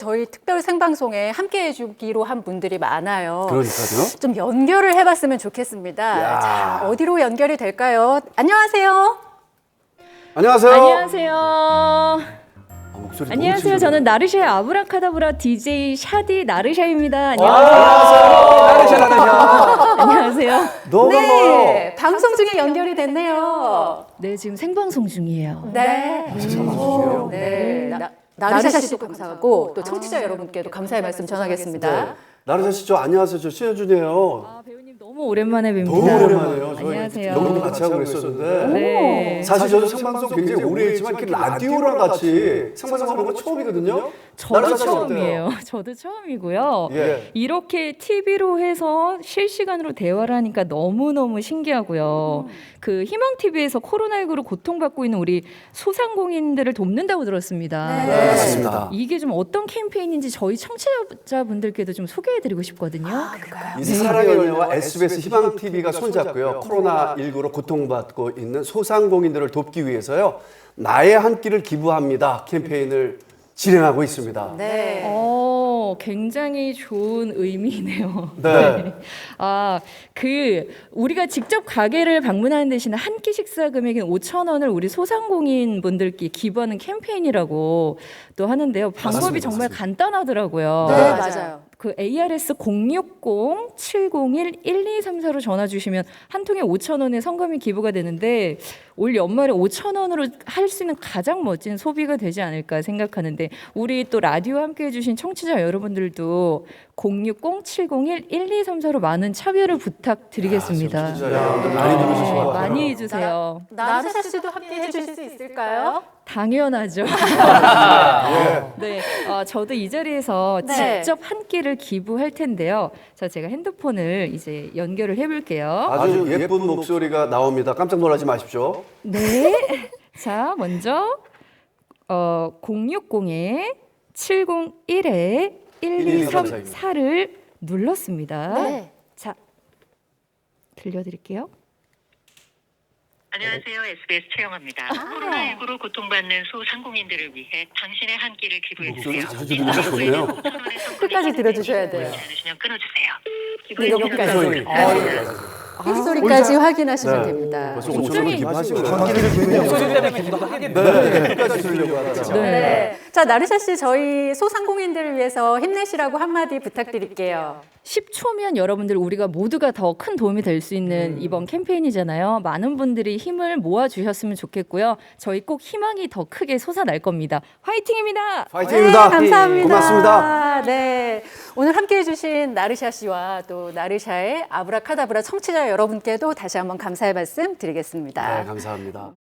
저희 특별 생방송에 함께 해주기로 한 분들이 많아요. 그러니까요. 좀 연결을 해봤으면 좋겠습니다. 야. 자, 어디로 연결이 될까요? 안녕하세요. 안녕하세요. 안녕하세요. 목소리 너무 안녕하세요. 친근해요. 저는 나르샤의 아브라카다브라 DJ 샤디 나르샤입니다. 안녕하세요. 나르샤. 안녕하세요. 너무 반가워요. 네, 방송 중에 연결이 됐네요. 네, 지금 생방송 중이에요. 네. 생방송이에요? 네. 나르샤 씨도 감사하고 또 청취자 여러분께도 감사의 말씀 전하겠습니다. 나르샤 씨, 저 안녕하세요. 저 신현준이에요. 아, 배우님 너무 오랜만에 뵙니다. 너무 오랜만이에요. 저희 안녕하세요. 녹음도 같이 하고 그랬었는데. 네. 사실 저도 생방송 굉장히 오래 했지만 이렇게 라디오랑 같이 생방송 하는 건 처음이거든요. 저도 나르샤 씨 처음이에요. 저도 처음이고요. 예. 이렇게 TV로 해서 실시간으로 대화를 하니까 너무너무 신기하고요. 그 희망TV에서 코로나19로 고통받고 있는 우리 소상공인들을 돕는다고 들었습니다. 네. 맞습니다. 이게 좀 어떤 캠페인인지 저희 청취자분들께도 좀 소개해드리고 싶거든요. 그럴까요? 이 사랑의 열매와 SBS 희망 TV가 손잡고요. 코로나19로 고통받고 있는 소상공인들을 돕기 위해서요. 나의 한 끼를 기부합니다 캠페인을 진행하고 있습니다. 네. 굉장히 좋은 의미네요. 네. 우리가 직접 가게를 방문하는 대신에 한 끼 식사 금액인 5,000원을 우리 소상공인 분들께 기부하는 캠페인이라고 또 하는데요. 방법이 맞습니다. 정말 간단하더라고요. 네, 맞아요. 그 ARS 060-701-1234로 전화 주시면 한 통에 5,000원의 성금이 기부가 되는데 올 연말에 5,000원으로 할 수 있는 가장 멋진 소비가 되지 않을까 생각하는데 우리 또 라디오 함께 해주신 청취자 여러분들도 060-701-1234로 많은 참여를 부탁드리겠습니다. 진짜 여러분들 많이 들으실 것 같아요. 많이 해주세요. 나르샤 씨도 함께 해주실 수 있을까요? 당연하죠. 네, 저도 이 자리에서 네. 직접 한 끼를 기부할 텐데요. 자, 제가 핸드폰을 이제 연결을 해볼게요. 아주 예쁜 목소리가 나옵니다. 깜짝 놀라지 마십시오. 네. 자, 먼저 060-701-1234를 눌렀습니다. 네. 자, 들려드릴게요. 안녕하세요. SBS 최영아입니다. 코로나19로 고통받는 소상공인들을 위해 당신의 한 끼를 기부해 주세요. 목소리 자주 들으니까 좋네요. 끝까지 들어주셔야 돼요. 그렇지 않으시면 끊어주세요. 여기까지. 목소리. 빗소리까지 확인하시면 네. 됩니다. 벌써 5,000원 기부하신 거예요. 네, 끝까지 들으려고 하다가. 네. 자, 나르샤 씨, 저희 소상공인들을 위해서 힘내시라고 한마디 부탁드릴게요. 10초면 여러분들 우리가 모두가 더 큰 도움이 될 수 있는 이번 캠페인이잖아요. 많은 분들이 힘을 모아주셨으면 좋겠고요. 저희 꼭 희망이 더 크게 솟아날 겁니다. 화이팅입니다. 파이팅입니다. 네, 감사합니다. 고맙습니다. 네. 오늘 함께 해주신 나르샤 씨와 또 나르샤의 아브라카다브라 청취자 여러분께도 다시 한번 감사의 말씀 드리겠습니다. 네, 감사합니다.